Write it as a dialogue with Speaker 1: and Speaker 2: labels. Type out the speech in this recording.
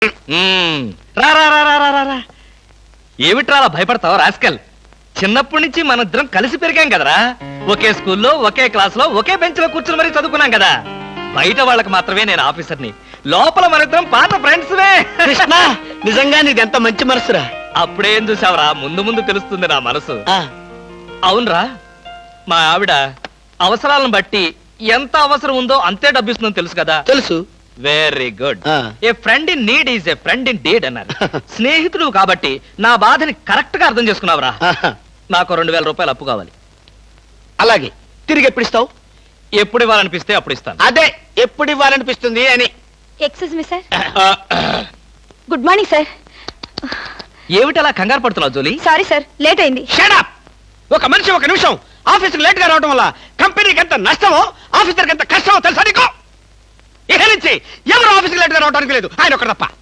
Speaker 1: రా రా రా రా రా రా. ఏమిట్రా అలా భయపడతావు రాస్కల్? చిన్నప్పటి నుంచి మన ఇద్దరం కలిసి పెరిగాం కదరా. ఒకే స్కూల్లో ఒకే క్లాస్ లో ఒకే బెంచ్ లో కూర్చుని మరీ చదువుకున్నాం కదా. బయట వాళ్ళకి మాత్రమే నేను ఆఫీసర్ని, లోపల మన ఇద్దరం పాత ఫ్రెండ్స్.
Speaker 2: కృష్ణ, నిజంగా నీది ఎంత మంచి మనసురా.
Speaker 1: అప్పుడేం చూసావరా, ముందు ముందు తెలుస్తుంది నా మనసు. అవునరా, మా ఆవిడ అవసరాలను బట్టి ఎంత అవసరం ఉందో అంతే డబ్బిస్తుందని తెలుసు కదా.
Speaker 2: తెలుసు.
Speaker 1: Very good. A friend in need is a friend in deed అన్నారు. స్నేహితుడు కాబట్టి నా బాధని కరెక్ట్ గా అర్థం చేసుకున్నావురా. నాకు 2000 రూపాయలు అప్పు కావాలి.
Speaker 2: అలాగే, తిరిగి ఎప్పుడు ఇస్తావు?
Speaker 1: ఎప్పుడు ఇవ్వాలనిపిస్తే అప్పుడు ఇస్తాను.
Speaker 2: అదే, ఎప్పుడు ఇవ్వాలనిపిస్తుంది అని.
Speaker 3: Excuse me sir. Good morning sir.
Speaker 1: ఏమిటి అలా కంగారు పడుతున్నావు జోలీ?
Speaker 3: సారీ సార్, లేట్ అయింది.
Speaker 2: Shut up! ఒక మనిషి ఒక నిమిషం ఆఫీసుకు లేట్ గా రావడం వల్ల కంపెనీకి ఎంత నష్టమో, ఆఫీసర్కి ఎంత కష్టమో తెలుసా నీకు? ఇక నుంచి ఎవరు ఆఫీసుకు లేట్ గా రావడానికి లేదు, ఆయన ఒక్కడ తప్ప.